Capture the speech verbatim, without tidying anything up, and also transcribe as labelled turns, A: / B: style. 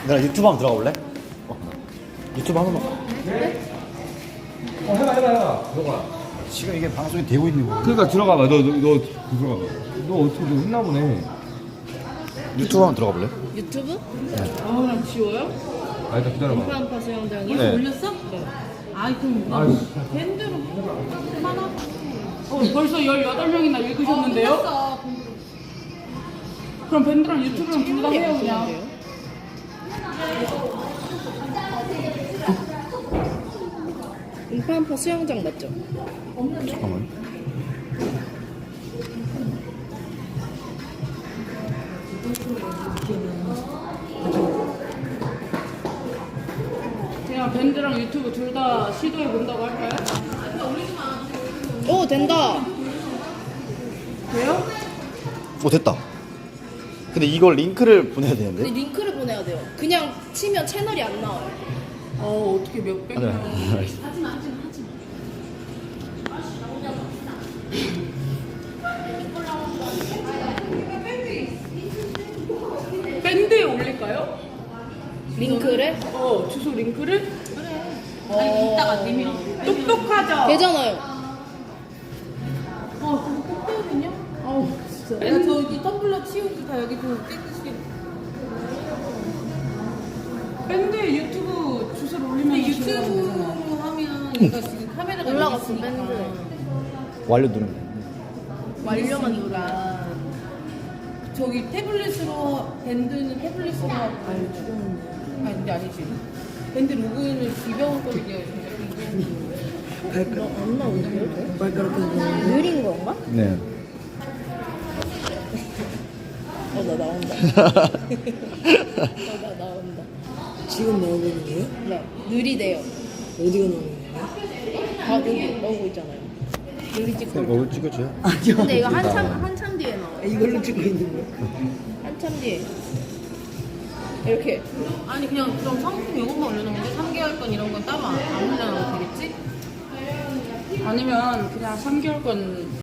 A: 내가 유튜브 한번 들어가 볼래? 어. 유튜브 한 번만.
B: 어 해봐 해봐 해봐 들어가.
A: 지금 이게 방송이 되고 있는 거야.
B: 그러니까 들어가봐. 너 너 너 들어가봐. 너 어떻게 너 했나 보네.
A: 유튜브 한번 들어가 볼래?
C: 유튜브? 아, 그럼 지워요?
B: 아 일단 기다려봐.
C: 인프란파 수영장이요?
A: 네.
C: 올렸어? 네. 아이, 그럼
B: 아
C: 밴드로 하나? 어, 벌써 열여덟 명이나 읽으셨는데요?
D: 어,
C: 그럼 밴드랑 유튜브랑 둘 다 해요, 그냥. 인프란파 수영장 맞죠?
A: 잠깐만.
C: 그냥 밴드랑 유튜브 둘 다 시도해 본다고 할까요? 오, 된다. 돼요?
A: 오 됐다. 근데 이걸 링크를 보내야 되는데.
D: 근데 링크를 보내야 돼요. 그냥 치면 채널이 안 나와요.
C: 어, 어떻게 몇백
A: 아, 네.
C: 명.
A: 알겠습니다.
D: 하지마, 하지마, 하지마.
C: 밴드에 올릴까요?
D: 링크를?
C: 어, 주소 링크를?
D: 어... 이따가 내밀어.
C: 똑똑하죠?
D: 되잖아요.
C: 어, 그거 똑똑하거든요? 어우, 진짜.
D: 야, 저기 텀블러 치우고 다 여기 좀 깨끗이.
C: 밴드에 유튜브 주소를 올리면
D: 유튜브로 하면 얘가 지금 카메라가 올라갔어, 밴드.
A: 완료 누르면 돼.
D: 완료만 누르라. 저기 태블릿으로 밴드는 태블릿으로 하고 아니 죽었는데. 아니 근데 아니지. 밴드 로그인을 비벼거리게 안 나오는데요? 발가락에서 느린 건가?
A: 네.
D: 어 나 나온다. 어 나 나온다.
E: 지금 나오고 있는 거예요?
D: 네 느리대요.
E: 어디가 나오는 거예요?
D: 다 여기 나오고 있잖아요. 느리 찍고.
A: 뭐 찍어줘요?
E: 아니요.
D: 근데 이거 한참 한참 뒤에 나와요.
E: 이걸로 찍고 있는 거예요?
D: 한참 뒤에. 이렇게. 아니 그냥 그럼 상품 이것만 올려놓는데 삼 개월권 이런 건 따로 안, 안 올려놔도 되겠지?
C: 아니면 그냥 삼 개월권